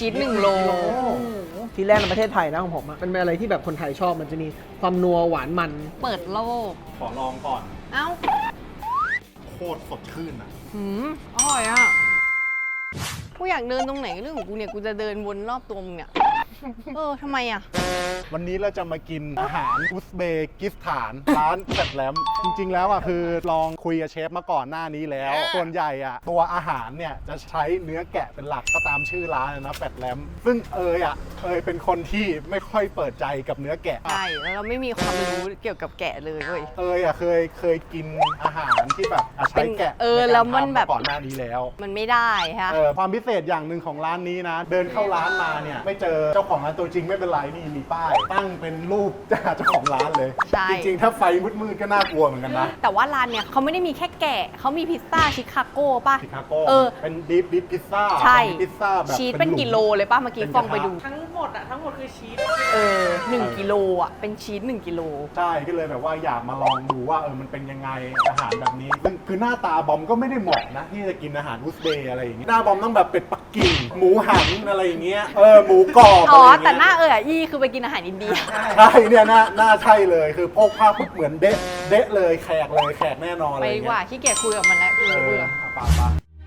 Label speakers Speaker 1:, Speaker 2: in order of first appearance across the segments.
Speaker 1: ชีส1 โล
Speaker 2: ที่แรกในประเทศไทยนะของผมอะเป็นอะไรที่แบบคนไทยชอบมันจะมีความนัวหวานมัน
Speaker 1: เปิดโลก
Speaker 3: ขอลองก่อน
Speaker 1: เอ้า
Speaker 3: โคตรสดชื่นอ่ะ
Speaker 1: อร่อยอ่ะ กูอยากเดินตรงไหนเรื่องของกูเนี่ย กูจะเดินวนรอบตัวมึงเนี่ย ทำไมอ่ะ
Speaker 3: วันนี้เราจะมากินอาหารอุซเบกิสถานร้านแฟตแลมจริงๆแล้วอ่ะคือลองคุยกับเชฟมาก่อนหน้านี้แล้ว ส่วนใหญ่อ่ะตัวอาหารเนี่ยจะใช้เนื้อแกะเป็นหลักก็ตามชื่อร้านนะแฟตแลมซึ่งเอยเป็นคนที่ไม่ค่อยเปิดใจกับเนื้อแกะ
Speaker 1: ใช่ แล้วเราไม่มีความรู้เกี่ยวกับแกะเลยเว้ย
Speaker 3: เคยกินอาหารที่แบบใช้แกะ
Speaker 1: แล้วมันแบบ
Speaker 3: ก่อนหน้านี้แล้ว
Speaker 1: มันไม่ได้ฮะ
Speaker 3: ความพิเศษอย่างหนึ่งของร้านนี้นะ เดินเข้าร้านมาเนี่ยไม่เจอเจ้าของร้านตัวจริงไม่เป็นไรนี่มีป้ายตั้งเป็นรูปเจ้าของร้านเลย
Speaker 1: ใช่
Speaker 3: จริงๆถ้าไฟมืดๆก็น่ากลัวเหมือนกันนะ
Speaker 1: แต่ว่าร้านเนี่ยเขาไม่ได้มีแค่แกะเขามีพิซซ่าชิคาโก้ป่ะ
Speaker 3: ชิคาโก้ เป็นดิฟพิซซ่า
Speaker 1: ใช่
Speaker 3: พิซซ่าแบบ
Speaker 1: ชีสเป็นกิโลเลยป่ะ เมื่อกี้ฟองไปดู
Speaker 4: ทั้งหมดคือชีส
Speaker 1: 1 กิโลอ่ะ เป็นชีส1 กิโล
Speaker 3: ใช่ก็เลยแบบว่าอยากมาลองดูว่ามันเป็นยังไงอาหารแบบนี้ซึ่งคือหน้าตาบอมก็ไม่ได้เหมาะนะที่จะกินอาหารอุซเบย์อะไรอย่างเงี้ยหน้าบอมต้องแบบเป็ดปักกิ่งหมูหันอะไรอย่างเงี้ยหมูกรอบ
Speaker 1: อ๋อ
Speaker 3: อะไรอย่างเงี้ย
Speaker 1: แต่หน้าอี้คือไปกินอาหารอินเดีย
Speaker 3: ใช่เนี่ยหน้าใช่เลยคือโพกผ้าปุ๊บเหมือนเดะเลยแขกแน่นอน
Speaker 1: ไป
Speaker 3: เลย
Speaker 1: ดีกว่าขี้เกียจคุยกับมันแล้วกูเบื่อ
Speaker 3: ปะ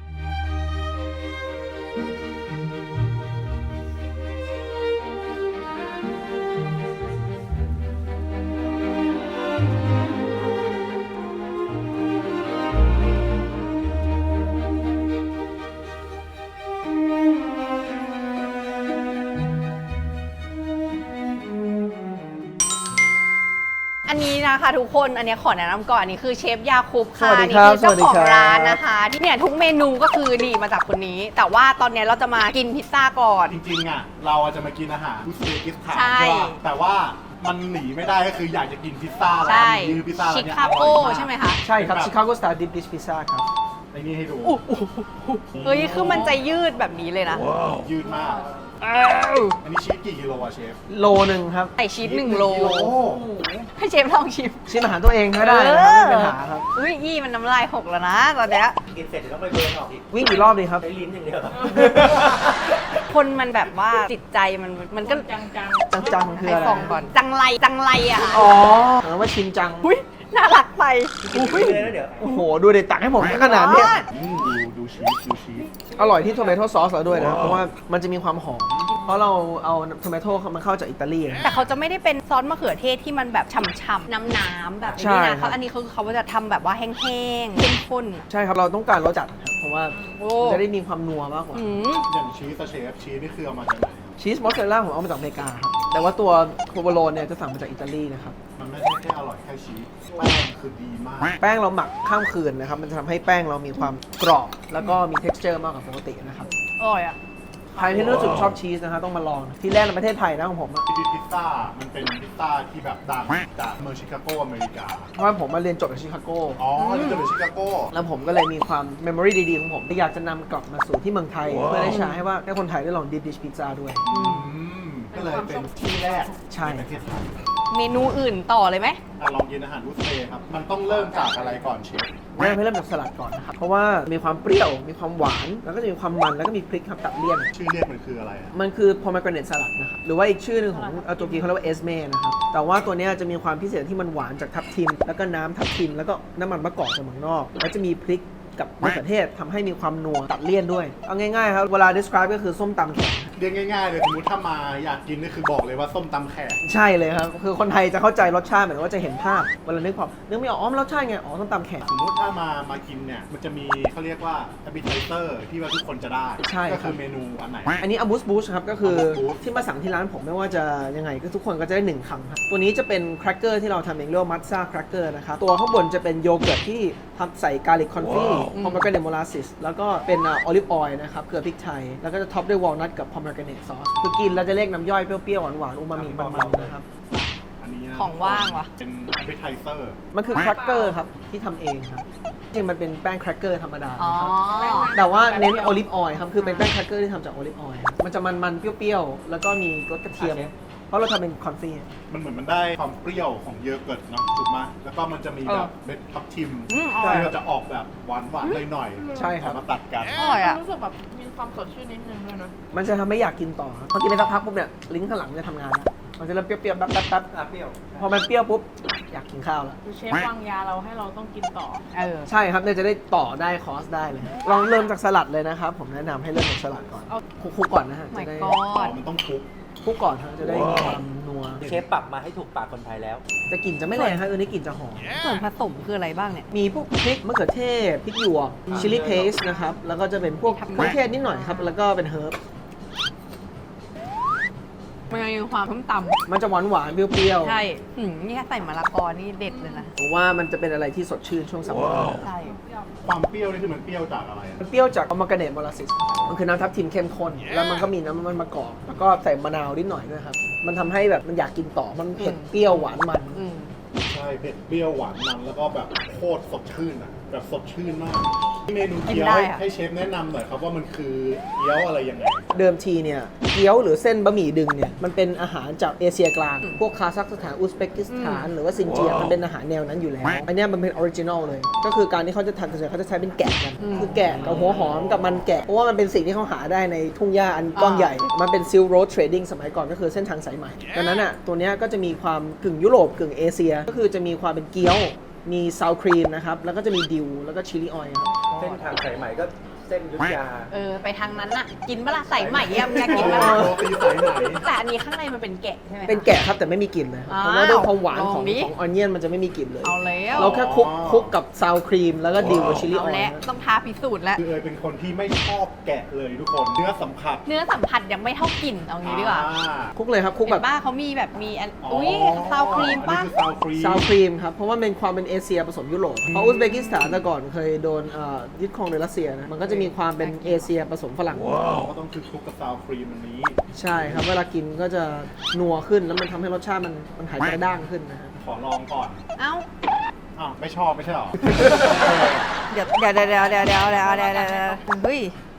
Speaker 1: อันนี้นะคะทุกคน อันนี้ขอแนะนำก่อน อันนี้คือเชฟยาคูบค่ะ
Speaker 2: สวัสดี
Speaker 1: นี่
Speaker 2: ครับ
Speaker 1: คือเจ้า
Speaker 2: สวัสดี
Speaker 1: ของ
Speaker 2: ครับ
Speaker 1: ร้านนะคะที่เนี่ยทุกเมนูก็คือดีมาจากคนนี้ แต่ว่าตอนนี้เราจะมากินพิซซ่าก่อน
Speaker 3: จริงๆอ่ะเราจะมากินอาหารอุซเบกิสถาน
Speaker 1: ใช่
Speaker 3: ใช่ป่ะแต่ว่ามันหนีไม่ได้ก็คืออยากจะกินพิซซ่าร้า
Speaker 1: ใช่
Speaker 3: นนี้พิซซ่าร้าน
Speaker 1: ชิ
Speaker 3: เนี้ย
Speaker 1: คาโก้
Speaker 3: อร่อยาก
Speaker 1: ใช่ไหมคะ
Speaker 2: ใช่ครับ Chicago Style Deep Dish Pizza ครับ
Speaker 3: ไอ้นี่ให้ดู
Speaker 1: เฮ้ย คือมันจะยืดแบบนี้เลยนะ
Speaker 3: ยืดมาก อันนี้ชีสกี่กิโลอะเชฟ
Speaker 2: โลหนึ่งครับ
Speaker 1: ใส่ชีส1 โล ให้เชฟลองชิม
Speaker 2: ชิมอาหารตัวเองก็ได้นะครับไม่มีปัญหาครับ
Speaker 1: อุ้ยยี่มันน้ำลายหกแล้วนะตอนเนี้ย
Speaker 5: กินเสร็จเดี๋ยวต้องไปเบิร์นออกอีก
Speaker 2: วิ่งกี่รอบดีครับ
Speaker 5: ใช้ลิ้นอย่างเดียว
Speaker 1: คนมันแบบว่าจิตใจมันก็
Speaker 4: จัง
Speaker 2: จังๆคือ
Speaker 1: ไอ
Speaker 2: อะไร
Speaker 1: ฟองก่อน จังไรอะค่ะ
Speaker 2: อ๋อว่าชินจัง
Speaker 1: อุ้ยน่ารักไป
Speaker 5: กินเลยแล้วเดี๋ยว
Speaker 2: โอ้โห ดูเด็ดตักให้ผมขนาดเนี้ย
Speaker 3: ดูชีส
Speaker 2: อร่อยที่โทเมโต้ซอสแล้วด้วยนะ เพราะว่ามันจะมีความหอม เพราะเราเอาโทเมโต้มันเข้าจากอิตาลีนะ
Speaker 1: แต่เขาจะไม่ได้เป็นซอสมะเขือเทศที่มันแบบฉ่ำๆน้ำๆแบบ
Speaker 2: ใช่
Speaker 1: นี้นะเขาอันนี้เขาจะทำแบบว่าแห้งๆเข้มข้น
Speaker 2: ใช่ครับ เราต้องการรสจัดครับเพราะว่า
Speaker 1: โอ้
Speaker 2: จะได้มีความนัวมากกว่า
Speaker 3: อย่างชีสอะเชฟชีสนี่คือเอามาจากไหน
Speaker 2: ชีสมอสซาเรลล่าผมเอามาจากอเมริกาครับ แต่ว่าตัวโคโบโลนเนี่ยจะสั่งมาจากอิตาลีนะครับ
Speaker 3: มันไม่ใช่แค่อร่อยแค่ชีสแป้งคือดีมาก
Speaker 2: แป้งเราหมักข้ามคืนนะครับ มันจะทำให้แป้งเรามีความกรอบ แล้วก็มี texture มากกว่าปกตินะครับ
Speaker 1: อร่อยอ่ะ
Speaker 2: ใครที่รู้สึกชอบชีสนะครับต้องมาลอง ที่แรกในประเทศไทยนะของผมอะ
Speaker 3: พิซซ่ามันเป็นพิซซ่าที่แบบดังจากเมืองชิคาโกอเมริกา
Speaker 2: เพราะว่าผมมาเรียนจบจากชิคาโก
Speaker 3: อ๋อนี่จะเป็นชิคาโก
Speaker 2: แล้วผมก็เลยมีความ memory ดีๆของผมที่อยากจะนำกลับมาสู่ที่เมืองไทย เพื่อได้ใช้ให้ว่าให้คนไทยได้ลอง deep dish pizza ด้วย
Speaker 3: ก็เลยเป็นที่แรก
Speaker 2: ใช่
Speaker 3: ในประเทศไทย
Speaker 1: เมนูอื่นต่อเลยไหม
Speaker 3: ลองกินอาหารอุซเบย์ครับ มันต้องเริ่มจากอะไรก่อนเชฟ
Speaker 2: เริ่มจากสลัดก่อนนะครับ เพราะว่ามีความเปรี้ยว มีความหวาน แล้วก็จะมีความมัน แล้วก็มีพริกครับตัดเลี่ยน
Speaker 3: ชื่อเรียกมันคืออะไรอะ
Speaker 2: มันคือ pomegranate salad นะครับ หรือว่าอีกชื่อหนึ่งของตุรกีเขาเรียกว่าเอสเม่นะครับ แต่ว่าตัวเนี้ยจะมีความพิเศษที่มันหวานจากทับทิม แล้วก็น้ำทับทิม แล้วก็น้ำมันมะกอกจากเมืองนอก แล้วจะมีพริกกับมะเขือเทศทำให้มีความนัวตัดเลี่ยนด้วย เอาง่ายๆครับ เวลา describe ก็คือส้มตำแขก
Speaker 3: เรียกง่ายๆเลยสมมติถ้ามาอยากกินนี่คือบอกเลยว่าส้มตำแขก
Speaker 2: ใช่เลยครับ คือคนไทยจะเข้าใจรสชาติเหมือนว่าจะเห็นภาพ เวลานึกไม่ออกอ๋อรสชาติไง อ๋อส้มตำแขก
Speaker 3: สมมติถ้ามากินเนี่ย มันจะมีเขาเรียกว่า appetizer ที่ว่าทุกคนจะได้
Speaker 2: ใช่ครับ
Speaker 3: ก็คือเมนูอันไหน
Speaker 2: อันนี้อัมบูสบูชครับก็คือ
Speaker 3: Amuse Boost
Speaker 2: ที่มาสั่งที่ร้านผมไม่ว่าจะยังไงก็ทุกคนก็จะได้1คำครับตัวนี้จะเป็นแครกเกอร์ที่เราทำเองเรียกว่ามัตซ่าแครกเกอร์นะครับตัวข้างบนจะเป็นโยเกิร์ตที่ทำใส่กาลิกคอนฟี่พอมเกรเนตโมลาซิสแล้วก็เป็นออลิฟออยล์นะครับเกลือพริกไทย แล้วก็จะท็อปด้วยวอลนัทกับพอมเกรเนตซอสคือกินแล้วจะเรียกน้ำย่อยเปรี้ยวๆหวานๆอูมามิมันๆนะครับ
Speaker 3: อันนี้นะ
Speaker 1: ของว่างวะ
Speaker 3: เป็น appetizer
Speaker 2: มันคือแครกเกอร์ครับที่ทำเองครับจริงมันเป็นแป้งแครกเกอร์ธรรมดา
Speaker 1: อ๋อ
Speaker 2: นะครับแต่ว่าเน้นโอลิฟออยล์ครับคือเป็นแป้งแครกเกอร์ที่ทำจากโอลิฟออยล์มันจะมันๆเปรี้ยวๆแล้วก็มีรสกระเทียม เพราะเราทำเป็นคอนฟี่
Speaker 3: มันเหมือนมันได้ความเปรี้ยวของโยเกิร์ตเนาะถูกไหมแล้วก็มันจะมีแบบเม็ดทับทิม
Speaker 1: อร่อย
Speaker 3: ที่เราจะออกแบบหวานๆหน่อยๆ
Speaker 2: ใช่ครับ
Speaker 3: เอามาตัดกัน
Speaker 1: อร่อยอะ
Speaker 4: รู้สึกแบบมีความสดชื่นนิดนึงเลยนะ
Speaker 2: มันจะทำให้อยากกินต่อครับพอกินไปสักพักปุ๊บเนี่ยลิ้นข้างหลังมันจะทำงานแล้วมันจะเริ่มเปรี้ยวๆแป๊บๆแป๊บ
Speaker 5: เปรี้ยว
Speaker 2: พอมันเปรี้ยวปุ๊บอยากกินข้าวแล้ว
Speaker 4: คือเชฟวางยาเราให้เราต้องกินต่อ
Speaker 2: ใช่ครับเนี่ยจะได้ต่อได้คอร์สได้เลยลองเริ่มจากสลัดเลยนะครับผมแนะนำให้เริ่มจากสลัดก่อน
Speaker 4: เอา
Speaker 2: คลุกๆก่อนนะฮะ
Speaker 1: ไม่
Speaker 2: จะได้
Speaker 1: ก
Speaker 3: อ๋
Speaker 1: อ
Speaker 3: อ
Speaker 1: ด
Speaker 3: มันต้องคลุก
Speaker 2: คลุกก่อนฮะจะได้มีความนัว
Speaker 5: เชฟปรับมาให้ถูกปากคนไทยแล้ว
Speaker 2: จะกลิ่นจะไม่แรงครับตัวนี้กลิ่นจะหอม
Speaker 1: ส่วนผสมคืออะไรบ้างเนี่ย
Speaker 2: มีพวกพริกมะเขือเทศพริกหยวกชิลลี่เพสนะครับ แล้วก็จะเป็นพวกเครื่องเทศนิดหน่อยครับ แล้วก็เป็นเฮิร์บ
Speaker 1: มันยังมีความต้มต
Speaker 2: มันจะหวานหวานๆเปรี้ยว
Speaker 1: ำใช่นี่แค่ใส่มะละกอนี่เด็ดเลยนะ
Speaker 2: ๆผมว่ามันจะเป็นอะไรที่สดชื่นช่วงซัมเมอร์
Speaker 1: ใช่
Speaker 3: ความเปรี้ยวนี่คือมันเปรี้ยวจากอะไรอะ
Speaker 2: มันเปรี้ยวจากอมากาเนตโมลาซิสมันคือน้ำทับทิมเข้มข้น แล้วมันก็มีน้ำมันมะกอกแล้วก็ใส่มะนาวนิดหน่อยด้วยครับ มันทำให้แบบมันอยากกินต่อ มันเผ็ดเปรี้ยวหวานมัน
Speaker 1: อืม
Speaker 3: ใช่เผ็ดเปรี้ยวหวานมันแล้วก็แบบโคตรสดชื่นอ่ะแบบสดชื่นมากเมนูเกี๊ยวให้เชฟแนะนำหน่อยครับว่ามันคือเกี๊ยวอะไรยังไง
Speaker 2: เดิมทีเนี่ยเกี๊ยวหรือเส้นบะหมี่ดึงเนี่ยมันเป็นอาหารจากเอเชียกลาง พวกคาซัคสถานอุซเบกิสถาน หรือว่าซินเจียมันเป็นอาหารแนวนั้นอยู่แล้ว อันเนี้ยมันเป็นออริจินอลเลย ก็คือการที่เขาจะทำส่วนใหญ่เขาจะใช้เป็นแกะกัน คือแกะกับหัวหอมกับมันแกะ เพราะว่ามันเป็นสิ่งที่เขาหาได้ในทุ่งหญ้าอันกว้างใหญ่ มันเป็นซิลโรดเทรดดิ้งสมัยก่อนก็คือเส้นทางสายไหมดังนั้นอ่ะตัวเนี้ยก็จะมีความกึ่งยุโรปกึ่งเอเชีย ก็คือจะมีความเป็นเกี๊ยวมีซาวครีมนะครับแล้วก็จะมีดิวแล้วก็ชิลลี่ออยล์ครับ
Speaker 5: เส้นทางสายใหม่ก็เส้นอยุทธยา
Speaker 1: ไปทางนั้นน่ะ กินเวลาใส่ใหม่อะมึงอยากกินเวลา
Speaker 3: โรตีสายไหม
Speaker 1: แต่อันนี้ข้างในมันเป็นแกะใช่ไหมคะ
Speaker 2: เป็นแกะครับแต่ไม่มีกลิ่นเลยครับ
Speaker 1: อ้าว
Speaker 2: เพราะว่าด้วยความหวาน
Speaker 1: ลอง
Speaker 2: ของ
Speaker 1: ดิ
Speaker 2: ออนเนียนมันจะไม่มีกลิ่นเลย
Speaker 1: เอาแล้ว
Speaker 2: เราแค่คลุกกับซาวครีมแล้วก็ดิวกับชิลลี่อ
Speaker 1: เอา
Speaker 2: อย
Speaker 1: แล้ว
Speaker 2: ล์
Speaker 1: ต้องท้าพิสูจน์แล้ว
Speaker 3: คือเอยเป็นคนที่ไม่ชอบแกะเลยทุกคนเนื้อสัมผัส
Speaker 1: เนื้อสัมผัสยังไม่เท่ากลิ่นเอางี้ดีกว่า
Speaker 2: คลุกเลยครับคลุก
Speaker 1: เห็
Speaker 2: แบบ
Speaker 1: นป้าเขามีแบบมีอันอุ้ยซาวครีมป้า
Speaker 3: อันนี้คือซาวครีม
Speaker 2: ซาวครีมครับ เพราะว่าเป็นความเป็นเอเชียผสมยุโรปเพราะอุซเบกิสถานแต่ก่อนเคยโดนยึดครองโดยรัสเซียนะมันก็จะมีความเป็นเอเชียผสมฝรั่ง
Speaker 3: ก็ต้องคือคลุกกับซาวครีมอันนี้
Speaker 2: ใช่ครับเวลากินก็จะนัวขึ้นแล้วมันทำให้รสชาติมันหายกระด้างขึ้นนะครับ
Speaker 3: ขอลองก่อน
Speaker 1: เอ้า
Speaker 3: อ้าวไม่ชอบไม่ใช่หรอ
Speaker 1: เดี๋ยวเฮ้ย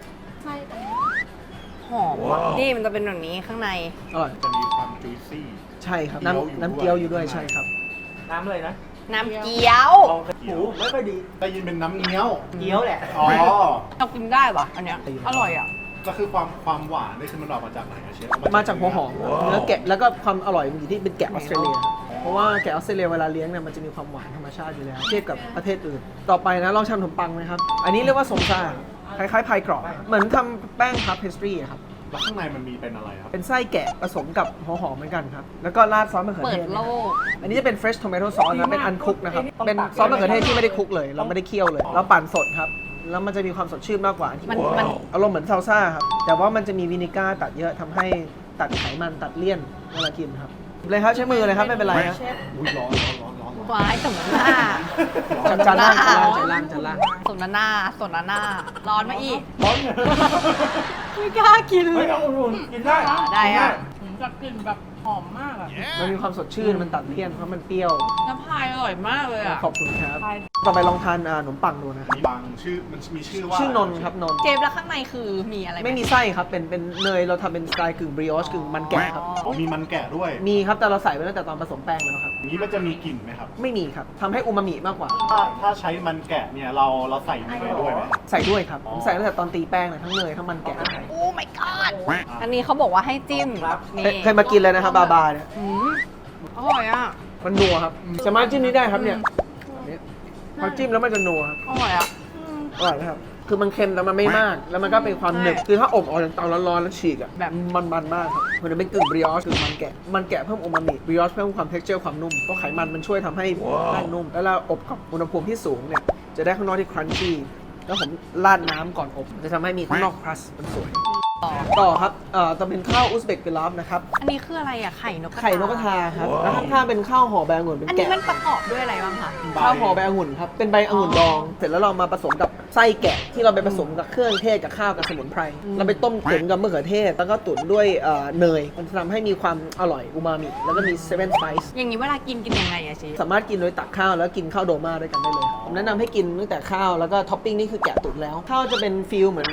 Speaker 1: หอมว่ะนี่มันจะเป็นแบบนี้ข้างใน
Speaker 2: อร่อย
Speaker 3: จะมีความจุยซี่
Speaker 2: ใช่ครับ
Speaker 3: เกี๊ยวอยู่
Speaker 2: น้ำเกี๊ยวอยู่ด้วย
Speaker 3: ด้วย
Speaker 2: ใช่ครับ
Speaker 5: น้ำเลยนะ
Speaker 1: น้ำเกี๊ยว
Speaker 5: หูไม่ค่อยดี
Speaker 3: ได้ยินเป็นน้ำเงี้ยว
Speaker 5: เกี๊ยวแหละ
Speaker 3: อ๋อ
Speaker 1: เรากินได้ปะอันเนี้ยอร่อยอ่ะ
Speaker 3: ก็คือความหวานนี่คือมันออกมาจากไหนอะเชฟ
Speaker 2: มาจากหัวหอมครับเนื้อแกะแล้วก็ความอร่อยมันอยู่ที่เป็นแกะออสเตรเลีย เพราะว่าแกะออสเตรเลียเวลาเลี้ยงเนี่ยมันจะมีความหวานธรรมชาติอยู่แล้วเทียบกับประเทศอื่น ต่อไปนะลองทำขนมปังไหมครับ อันนี้เรียกว่าสมซ่าคล้ายๆพายกรอบเหมือนทำแป้งพับเพสตรีครับ
Speaker 3: แล้วข้างในมันมีเป็นอะไรครับ
Speaker 2: เป็นไส้แกะผสมกับหัวหอมเหมือนกันครับ แล้วก็ราดซอสมะเขือ
Speaker 1: เปิ
Speaker 2: เท
Speaker 1: ด
Speaker 2: ศ
Speaker 1: โลก
Speaker 2: อันนี้จะเป็น fresh tomato sauce นะเป็นอันคุกนะครับ เป็นซอสมะเขือเทศที่ไม่ได้คลุกเลย เราไม่ได้เคี่ยวเลย เราปั่นสดครับ แล้วมันจะมีความสดชื่นมากกว่าอันที่
Speaker 1: มัน
Speaker 2: อารมณ์เหมือนซาลซ่าครับ แต่ว่ามันจะมีวินิก้าตัดเยอะทำให้ตัดไขมันตัดเลี่ยนเวลากินครับเลยครับใช้มือเลยครับไม่เป็นไรครับ
Speaker 3: อุ้ยร้อน
Speaker 1: วายสมน้ำหน้า
Speaker 2: จานล่างจานล่างจานล่าง
Speaker 1: สมน้ำหน้าสมน้ำหน้า ร้อนมาอีก
Speaker 5: ร้อน
Speaker 1: ไม่กล้ากินเล
Speaker 5: เฮ้ย
Speaker 1: ย
Speaker 5: เอาอุ่นๆกินได้
Speaker 1: ได้อะ
Speaker 4: ผมจะกลิ่นแบบหอมมากอะ
Speaker 2: มันมีความสดชื่นมันตัดเลี่ยนเพราะมันเปรี้ยว
Speaker 4: น้ำพายอร่อยมากเลยอะ
Speaker 2: ขอบคุณครับ
Speaker 4: พาย
Speaker 2: ต่อไปลองทานขนมปังดูนะครับ
Speaker 3: มีบางชื่อมันมีชื่อว่า
Speaker 2: ชื่อนนท์ครับนนท์
Speaker 1: เจมส์แล้วข้างในคือมีอะไรห
Speaker 2: ไม่มีไส้ครับเป็นเนยเราทำเป็นสไตล์กึ่งบริออชกึ่งมันแกะครับ
Speaker 3: อ๋อมีมันแกะด้วย
Speaker 2: มีครับแต่เราใส่ไปตั้งแต่ตอนผสมแป้งแล้วครับ
Speaker 3: อย่างนี้มันจะมีกลิ่นไหมครับ
Speaker 2: ไม่มีครับทำให้อูมามิมากกว่า
Speaker 3: ถ้าใช้มันแกะเนี่ยเราใส่เนยด้วยไหม
Speaker 2: ใส่ด้วยครับ ผมใส่ตั้งแต่ตอนตีแป้งเลยทั้งเนยทั้งมันแกะ
Speaker 1: โอ้ my god อันนี้เขาบอกว่าให้จิ้ม
Speaker 5: ครับ
Speaker 1: นี่
Speaker 2: เคยมากินเลยนะครับบาบาเนี่ย
Speaker 1: อืมอร่อยอ่ะ
Speaker 2: มันนัวครับสามารถจิ้มนี้ได้ครับเนี่ยแบบนี้พอจิ้มแล้วมันจะนัวครับ
Speaker 1: อร่อยอ่ะ
Speaker 2: อร่อยนะครับคือมันเค็มแต่มันไม่มาก แล้วมันก็เป็นความหนึบ
Speaker 1: ใช่
Speaker 2: คือถ้าอบออกจากเตาร้อนๆแล้วฉีกอ่ะ
Speaker 1: แบบ
Speaker 2: มันมากครับมันจะเป็นกึ่งบริออชกึ่งมันแกะเพิ่มโอมามิบริออชเพิ่มความเท็กเจอร์ความนุ่มเพราะไขมันมันช่วยทำให้แป้งนุ่ม แล้วเราอบกับอุณหภูมิที่สูงเนี่ยจะได้ข้างนอกที่ครันชี่แล้วผมราดน้ำก่อนอบจะทำให้มีข้างนอกครัสมันสวย ต่อครับจะเป็นข้าวอุซเบกปิลาฟนะครับ
Speaker 1: อันนี้คืออะไรอ่ะ ไข่นกกระทา
Speaker 2: ไข่นกกระทาครับแล้วข้างๆเป็นข้าวห่อใบองุ่นเป็น
Speaker 1: อันนี้
Speaker 2: แกะ
Speaker 1: มันประกอบด้วยอะไรบ้างคะ
Speaker 2: ข้าวห่อใบองุ่นครับเป็นใบองุ่นดอง เสร็จแล้วเรามาผสมกับไส้แกะที่เราไปผสมกับเครื่องเทศกับข้าวกับสมุนไพรเราไปต้มตุ๋นกับมะเขือเทศ แล้วก็ตุ๋นด้วยเนยมันจะทำให้มีความอร่อยอูมามิแล้วก็มีเซเว่นสไปซ์
Speaker 1: อย่างนี้เวลากินยังไงอะเชฟ
Speaker 2: สามารถกินโดยตักข้าวแล้วกินข้าวโดมาด้วยกันได้เลยผมแนะนำให้กินตั้งแต่ข้าวแล้วก็ท็อปปิ้งนี่คือแกะตุ๋นแล้วข้าวจะเป็นฟิลเหมือน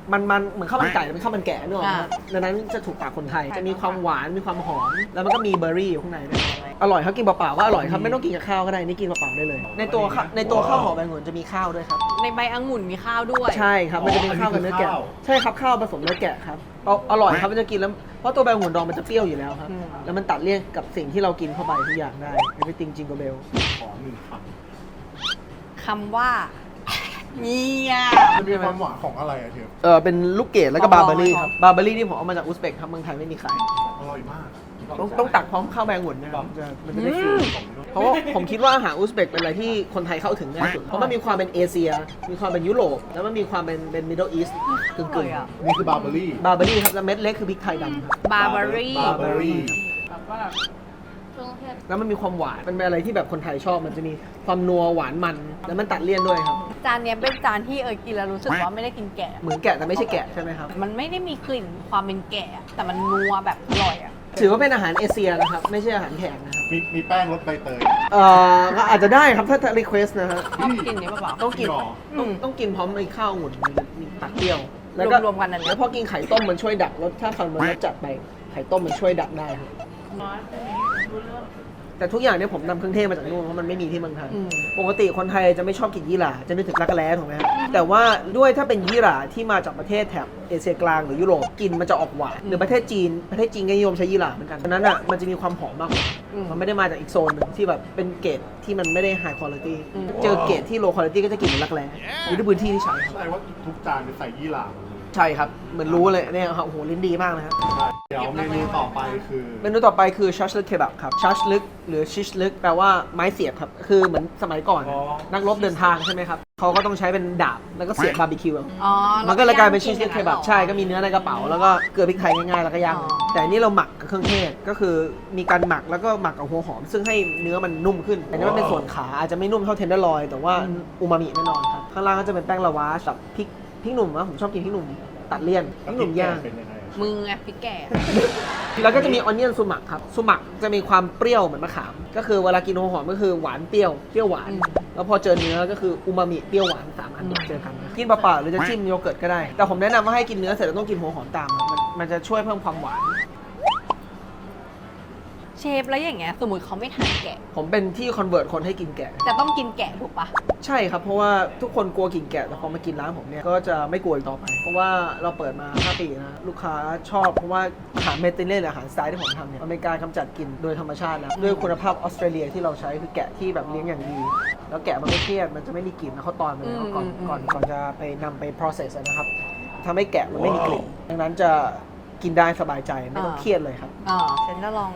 Speaker 2: มันเหมือนข้าวมันไก่เป็นข้าวมันแกะนึกออกไหมครับดังนั้นจะถูกปากคนไทยจะมีความหวานมีความหอมแล้วมันก็มีเบอร์รี่อยู่ข้างในด้วยอร่อยครับกินเปล่าๆก็อร่อยครับไม่ต้องกินกับข้าวก็ได้นี่กินเปล่าๆได้เลย ในตัวข้าวหอมใบองุ่นจะมีข้าวด้วยครับ
Speaker 1: ในใบองุ่นมีข้าวด้วย
Speaker 2: ใช่ครับมันจะเป็นข้าวกับเนื้อแกะใช่ครับข้าวผสมเนื้อแกะครับอร่อยครับมันจะกินแล้วเพราะตัวใบองุ่นดองมันจะเปรี้ยวอยู่แล้วครับแล้วมันตัดเลี่ยนกับสิ่งที่เรากินเข้าไปทุกอย่างได้ไม่ไปติงจิงโกเบล
Speaker 3: ขอ1 ค
Speaker 1: คำว่าเนี่ย
Speaker 3: ำมันมีความหวานของอะไรอะเชฟ
Speaker 2: เป็นลูกเกดแล้วก็บาร์เบอรี่ครับบาร์เบอรี่นี่ผมเอามาจากอุซเบกครับเมืองไทยไม่มีขาย
Speaker 3: อร่อยมาก
Speaker 2: ต้องตักพร้อมข้าวใบองุ่นนะครับมันจะได้ฟิลเพราะว่าผมคิดว่าอาหารอุซเบกเป็นอะไรที่คนไทยเข้าถึงง่ายสุดเพราะมันมีความเป็นเอเชีย มีความเป็นยุโรปแล้วมันมีความเป็นมิดเดิลอีสต์กึ่ง
Speaker 3: นี่คือบาร์เบอรี่
Speaker 2: บาร์เบอรี่ครับแล้วเม็ดเล็กคือพริกไทยดำครับ
Speaker 1: บาร์เบอรี่
Speaker 3: บาร์เบอรี่
Speaker 4: แบบว่าเครื่องเทศ
Speaker 2: แล้วมันมีความหวานมันเป็นอะไรที่แบบคนไทยชอบมันจะมีความนัวหวานมันแล้วมันตัดเลี่ยนด้วยครับ
Speaker 1: จานเนี้ยเป็นจานที่กินแล้วรู้สึกว่าไม่ได้กินแกะ
Speaker 2: เหมือนแกะแต่ไม่ใช่แกะใช่ไหมครับ
Speaker 1: มันไม่ได้มีกลิ่นความเป็นแกะ แต่มันนัวแบบอร่อยอ่ะ
Speaker 2: ถือว่าเป็นอาหารเอเชียนะครับไม่ใช่อาหารแขกนะครับ
Speaker 3: มีแป้งรสใบเตย
Speaker 2: ก็อาจจะได้ครับถ้ารีเควสนะฮะ
Speaker 1: ต้องกินนี้เปล่า
Speaker 2: ต้องกิน
Speaker 3: หรอ
Speaker 2: ต้องกินพร้อมไอ้ข้าวองุ่นมันจะมีตัดเปรี้ยว
Speaker 1: รวมๆกันนั่น
Speaker 2: แล้วพอกินไข่ต้มมันช่วยดักรสถ้าคำมันรสจัดไปไข่ต้มมันช่วยดักได้ครับ
Speaker 4: น้อยตัวนี้รู้เรื่อง
Speaker 2: แต่ทุกอย่างเนี่ยผมนำเครื่องเทศมาจากนู่นเพราะมันไม่มีที่เมืองไทย
Speaker 1: อืม
Speaker 2: ปกติคนไทยจะไม่ชอบกินยี่หร่าจะนึกถึงรักแร้ถูกไหมครับแต่ว่าด้วยถ้าเป็นยี่หร่าที่มาจากประเทศแถบเอเชียกลางหรือยุโรปกินมันจะออกหวานหรือประเทศจีนก็นิยมใช้ยี่หร่าเหมือนกันดังนั้นอ่ะมันจะมีความหอมมากกว่ามันไม่ได้มาจากอีกโซนหนึ่งที่แบบเป็นเกรดที่มันไม่ได้ไฮคุณภาพเจอเกรดที่โลคุณภาพก็จะกินเหมือนรักแร้อยู่ที่พื้นที่ที่ใช้ครับ
Speaker 3: แสดงว่าทุกจานจะใส่ยี่หร่าหมดเลย
Speaker 2: ใช่ครับเหมือนรู้เลยเนี่ยครับโอ้โหลิ้นดีมากนะครับ
Speaker 3: เดี๋ยวเมนูต่อไปคือ
Speaker 2: เมนูต่อไปคือชัชลึกเคบับครับชัชลึกหรือชิชลึกแปลว่าไม้เสียบครับคือเหมือนสมัยก่อนนักรบเดินทางใช่ไหมครับเขาก็ต้องใช้เป็นดาบแล้วก็เสียบบาร์บีคิว
Speaker 1: อ๋อ
Speaker 2: มันก็เลยกลายเป็นชิชลึกเคบับใช่ก็มีเนื้อในกระเป๋าแล้วก็เกลือพริกไทยง่ายๆแล้วก็ย่างแต่อันนี้เราหมักกับเครื่องเทศก็คือมีการหมักแล้วก็หมักกับหัวหอม ซึ่งให้เนื้อมันนุ่มขึ้นอันนี้มันเป็นส่วนขาอาจจะไม่นุ่มเท่าเทนเดอร์ลอยแต่ว่าอูมามิแน่นอนครับข้างล่างก็จะเป็นแป้งลาวากับพริกหนุ่มนะผมชอบกินพริกหนุ่มตัดเลี่ยนพริกหนุ่มย่าง
Speaker 3: เป็นยังไง
Speaker 1: มึงไงพี่แก่
Speaker 2: แล้วก็จะมีออนเนียนซูมักครับซูมักจะมีความเปรี้ยวเหมือนมะขาม ก็คือเวลากินหัวหอมก็คือหวานเปรี้ยวหวาน แล้วพอเจอเนื้อก็คืออูมามิเปรี้ยวหวาน3อันเจอกันนะกินเปล่าๆหรือจะจิ้มโยเกิร์ตก็ได้ แต่ผมแนะนำว่าให้กินเนื้อเสร็จแล้วต้องกินหัวหอมตามมันจะช่วยเพิ่มความหวาน
Speaker 1: เชฟแล้วอย่างเงี้ยสมมติเขาไม่ทานแกะ
Speaker 2: ผมเป็นที่คอนเวิร์ตคนให้กินแกะ
Speaker 1: จะต้องกินแกะถูกปะ
Speaker 2: ใช่ครับเพราะว่าทุกคนกลัวกินแกะแต่พอมากินร้านผมเนี่ยก็จะไม่กลัวอีกต่อไป เพราะว่าเราเปิดมา5 ปีนะลูกค้าชอบเพราะว่าอาหารเมดิเตอร์เรเนียนอาหารสไตล์ที่ผมทำเนี่ยมันเป็นการกำจัดกลิ่นโดยธรรมชาติแล้วด้วยคุณภาพออสเตรเลียที่เราใช้คือแกะที่แบบเลี้ยงอย่างดี แล้วแกะมันไม่เครียดมันจะไม่มีกลิ่นแล้วเขาตอนมาแล้วก่อนจะไปนำไป process อะนะครับทำให้แกะมันไม่มีกลิ่นดังนั้นจะกินได้สบายใจไม่ต้องเครียดเลยครับ
Speaker 1: ฉันจะลอง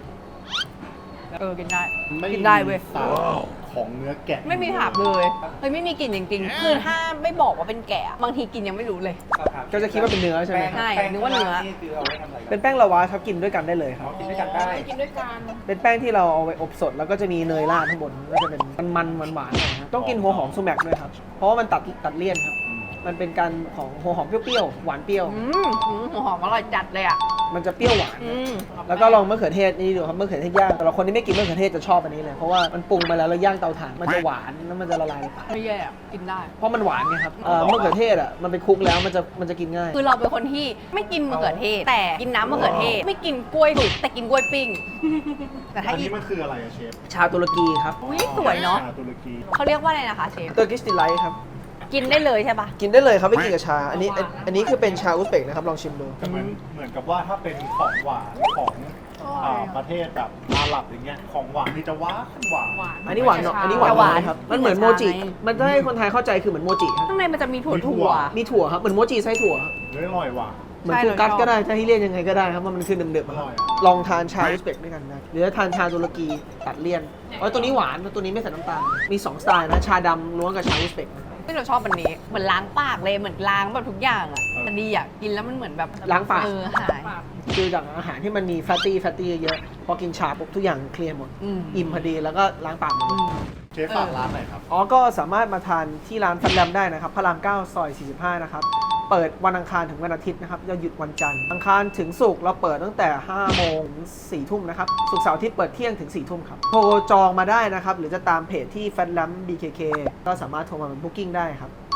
Speaker 1: กินได้
Speaker 3: ไม่
Speaker 1: กินได้เว้ย
Speaker 3: มีสารของเนื้อแกะ
Speaker 1: ไม่มีถาบเลยเฮ้ยไม่มีกลิ่นจริงๆ คือถ้าไม่บอกว่าเป็นแกะบางทีกินยังไม่รู้เลย
Speaker 2: ก็จะคิดว่าเป็นเนื้อใช่ไหมครับ
Speaker 1: ใช่นึกว่าเนื้อ
Speaker 5: นี่คือเอาไว้ทำอะไร
Speaker 2: เป็นแป้งลาวาครับกินด้วยกันได้เลยครับ
Speaker 5: กินด้วยกันได้
Speaker 4: กินด้วยกัน
Speaker 2: เป็นแป้งที่เราเอาไปอบสดแล้วก็จะมีเนยราดข้างบนก็จะเป็นมันหวานๆหน่อยครับต้องกินหัวหอมซูแมกด้วยครับเพราะว่ามันตัดเลี่ยนครับมันเป็นการของหัวหอมเปรี้ยวๆหวานเปรี้ยว
Speaker 1: หัวหอมอร่อยจัดเลยอ่ะ
Speaker 2: มันจะเปรี้ยวหวานแล้วก็ลองมะเขือเทศนี่ดูครับมะเขือเทศย่างแต่ละคนที่ไม่กินมะเขือเทศจะชอบอันนี้เลยเพราะว่ามันปรุงมาแล้วย่างเตาถ่านมันจะหวานแล้วมันจะละลายในปาก
Speaker 1: ไม่แย่อะกินได้
Speaker 2: เพราะมันหวานไงครับมะเขือเทศอ่ะมันไปคลุกแล้วมันจะกินง่าย
Speaker 1: คือเราเป็นคนที่ไม่กินมะเขือเทศ แต่กินน้ำมะเขือเทศ ไม่กินกล้วยสุกแต่กินกล้วยปิ้ง แต่ถ้า
Speaker 3: อัน
Speaker 1: อี
Speaker 3: นี้
Speaker 1: ก
Speaker 3: มันคืออะไรอะเชฟ
Speaker 2: ชาตุรกีครับ
Speaker 1: อุ้ยสวยเนาะ
Speaker 3: ชตุรกี
Speaker 1: เขาเรียกว่าอะไรนะคะเชฟ
Speaker 2: เตอร์กิสติไลท์ครับ
Speaker 1: กินได้เลยใช่ปะ
Speaker 2: กินได้เลยครับไม่กินกับชาอันนี้คือเป็นชาอุซเบกนะครับลองชิมดู
Speaker 3: แต่เหมือนกับว่าถ้าเป็นของหวานของประเทศแบบอาหรับอย่างเงี้ยของหวานนี่จะหวาน
Speaker 2: อันนี้หวานเนาะอันนี้หวานน้อยครับมันเหมือนโมจิมันจะให้คนไทยเข้าใจคือเหมือนโมจิครับ
Speaker 1: ข้างในมันจะมีถั่ว
Speaker 2: มีถั่วครับเหมือนโมจิไส้ถั่ว
Speaker 3: เนื้ออร่อยว่ะ
Speaker 2: เหมือนฟูกัสก็ได้จะให้เรียกยังไงก็ได้ครับมันคือเดิมๆครับ
Speaker 3: อร่อย
Speaker 2: ลองทานชาอุซเบกด้วยกันได้หรือทานชาตุรกีตัดเลี่ยนตัวนี้หวานตัวนี้ไม่ใส่น้ำตาลมี2สไตล์นะชาดำล้วนกับชาอุซเบก
Speaker 1: ที่เราชอบอันนี้ เหมือนล้างปากเลย เหมือนล้างแบบทุกอย่างอ่ะแต่ดีอ่ะ กินแล้วมันเหมือนแบบ
Speaker 2: ล้างปาก
Speaker 1: หาย
Speaker 2: คือจากอาหารที่มันมีแฟตตี้เยอะๆพอกินชาปุ๊บทุกอย่างเคลียร์หมด อิ่มพอดีแล้วก็ล้างปากหมดเลย
Speaker 3: เชฟฝากร้านหน่อยครับ
Speaker 2: ก็สามารถมาทานที่ร้านฟันแรมได้นะครับพระราม 9 ซอย 45 นะครับ เปิดวันอังคารถึงวันอาทิตย์นะครับจะหยุดวันจันทร์อังคารถึงศุกร์เราเปิดตั้งแต่ 5 โมงถึง 4 ทุ่มนะครับศุกร์เสาร์อาทิตย์เปิดเที่ยงถึง 4 ทุ่มครับโทรจองมาได้นะครับหรือจะตามเพจที่ Fat Lamp BKK ก็สามารถโทรมาเป็น Booking ได้ครับ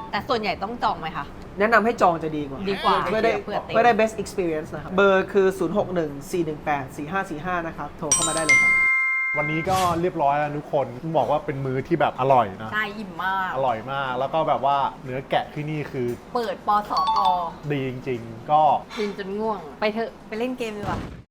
Speaker 1: แต่ส่วนใหญ่ต้องจองไหมคะ
Speaker 2: แนะนำให้จองจะดีกว่า
Speaker 1: ดีกว่า
Speaker 2: เพื่อได้
Speaker 1: เผื่อเต็ม
Speaker 2: เพื่อได้ best experience นะครับ เบอร์คือ 0614184545 นะครับ โทรเข้ามาได้เลยครับ
Speaker 3: วันนี้ก็เรียบร้อยแล้วทุกคนต้องบอกว่าเป็นมื้อที่แบบอร่อยนะ
Speaker 1: ใช่อิ่มมาก
Speaker 3: อร่อยมาก แล้วก็แบบว่าเนื้อแกะที่นี่คือ
Speaker 1: เปิดปสก
Speaker 3: ดีจริงๆ ก็
Speaker 1: กินจนง่วง ไปเถอะ ไปเล่นเกมดีกว่า